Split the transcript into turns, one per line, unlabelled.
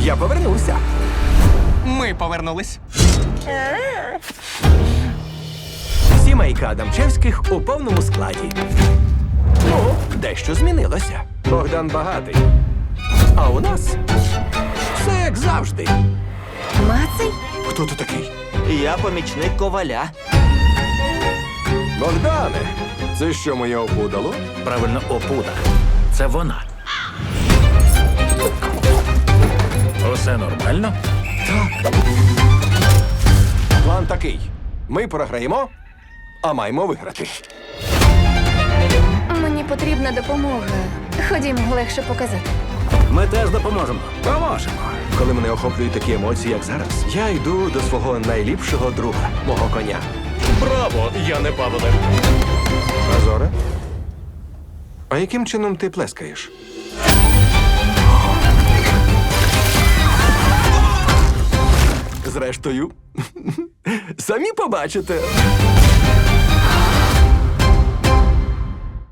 Я повернувся.
Ми повернулись.
Сімейка Адамчевських у повному складі. Ну, дещо змінилося. Богдан багатий. А у нас все як завжди.
Мацей?
Хто ти такий?
Я помічник коваля.
Богдане, це що, моє опудало?
Правильно, опуда. Це вона. Усе нормально?
План такий. Ми програємо, а маємо виграти.
Мені потрібна допомога. Ходімо, легше показати.
Ми теж допоможемо. Поможемо.
Коли мене охоплюють такі емоції, як зараз, я йду до свого найліпшого друга, мого коня.
Браво, я не Павле.
Азоре? А яким чином ти плескаєш? Зрештою, самі побачите.